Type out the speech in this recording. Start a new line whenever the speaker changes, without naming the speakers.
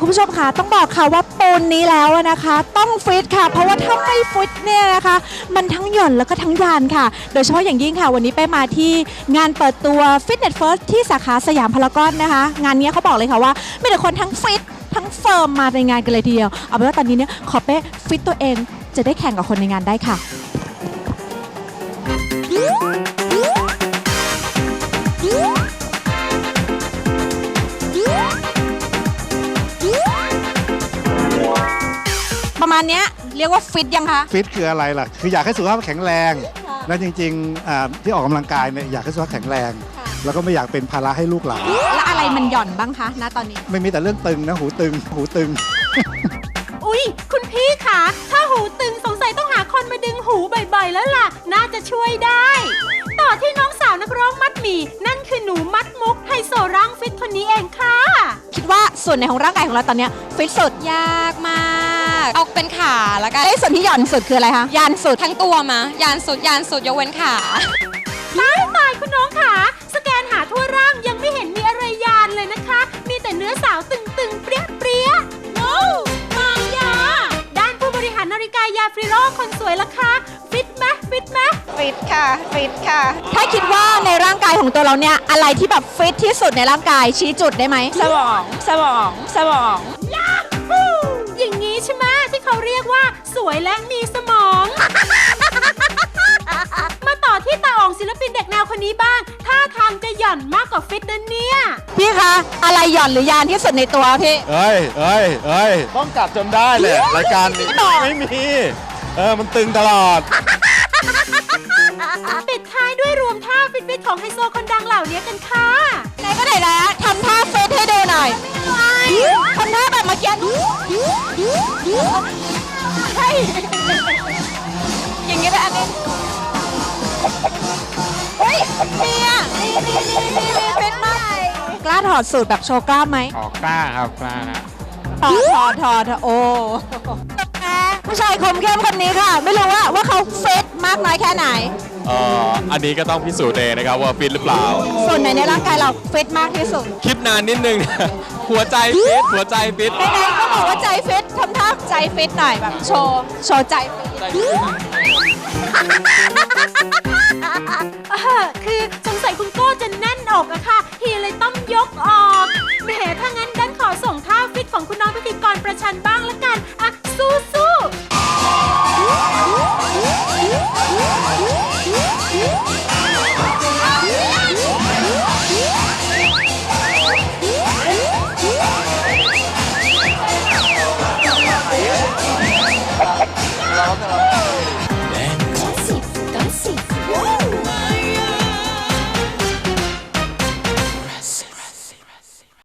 ผู้ชมค่ะต้องบอกค่ะว่าปูนนี้แล้วนะคะ ต้องฟิตค่ะเพราะว่าถ้าไม่ฟิตเนี่ยนะคะมันทั้งหย่อนแล้วก็ทั้งยานค่ะโดยเฉพาะอย่างยิ่งค่ะวันนี้ไปมาที่งานเปิดตัว Fitness First ที่สาขาสยามพารากอนนะคะงานนี้เขาบอกเลยค่ะว่ามีแต่คนทั้งฟิตทั้งเฟิร์มมาในงานกันเลยทีเดียวเอาเป็นว่าตอนนี้เนี่ยขอเป้ฟิตตัวเองจะได้แข่งกับคนในงานได้ค่ะประมาณนี้เรียกว่าฟิตยังคะ
ฟิตคืออะไรล่ะคืออยากให้สุขภาพแข็งแรงและจริงๆที่ออกกำลังกายเนี่ยอยากให้สุขภาพแข็งแรงแล้วก็ไม่อยากเป็นภาระให้ลูกหลาน
แล้วอะไรมันหย่อนบ้างคะณตอนนี้
ไม่มีแต่เรื่องตึงนะหูตึง
อุ๊ยคุณพี่คะถ้าหูตึงสงสัยต้องหาคนมาดึงหูบ่อยๆแล้วล่ะน่าจะช่วยได้ต่อที่น้องสาวนักร้องมัดหมี่นั่นคือหนูมัดมุกไฮโซร่างฟิตคนนี้เองค่ะ
คิดว่าส่วนไหนของร่างกายของเราตอนนี้ฟิตสุด
ยากมากเอาเป็นขาแล้วกัน
ส่วนที่หย่อนสุดคืออะไรคะยานสุด
ทั้งตัวมายานสุดยกเว้นขา
ตายคุณน้องค่ะสแกนหาทั่วร่างยังไม่เห็นมีอะไรยานเลยนะคะมีแต่เนื้อสาวตึงๆเปรี้ยๆโน้มายาด้านผู้บริหารนาฬิกายาฟริโรคนสวยล่ะคะฟิตไหม
ฟิตค่ะ
ถ้าคิดว่าในร่างกายของตัวเราเนี่ยอะไรที่แบบฟิตที่สุดในร่างกายชี้จุดได้ไหมสมอง
ยาฮูอย่างนี้ใช่ไหมที่เขาเรียกว่าสวยและมีสมอง มาต่อที่ตาอ๋องศิลปินเด็กแนวคนนี้บ้างท่าทางจะหย่อนมากกว่าฟิตนะเนี่ย
พี่คะอะไรหย่อนหรือยานที่สุดในตัวพี่
เอ้ยต้องกัดจนได้เลยรายการนี้ไม่มีมันตึงตลอด
ปิดท้ายด้วยรวมท่าฟิตๆของไฮโซคนดังเหล่านี้กันค่ะ
ไหนก็ไหนแล้วทำท่าฟิตให้ดูหน่อยทำท่าแบบเมื่อกี้ใช่อย่างนี้เลยอันนี้เฮ้ยเนี่ยฟิตมากกล้าถอดสูตรแบบโชว์กล้ามไหม
กล้าครับกล้า
ถอดโอ้ผู้ชายคมเข้มคนนี้ค่ะไม่รู้ว่าเขาฟิตมากน้อยแค่ไหน
อันนี้ก็ต้องพิสูจน์เองนะครับว่าฟิตหรือเปล่า
ส่วนไหนในร่างกายเราฟิตมากที่สุด
คิดนานนิดนึงหัวใจฟิต
ไหนๆก็บอกว่าใจฟิตทำท่าใจฟิตหน่อยแบบโชว์ใจฟิต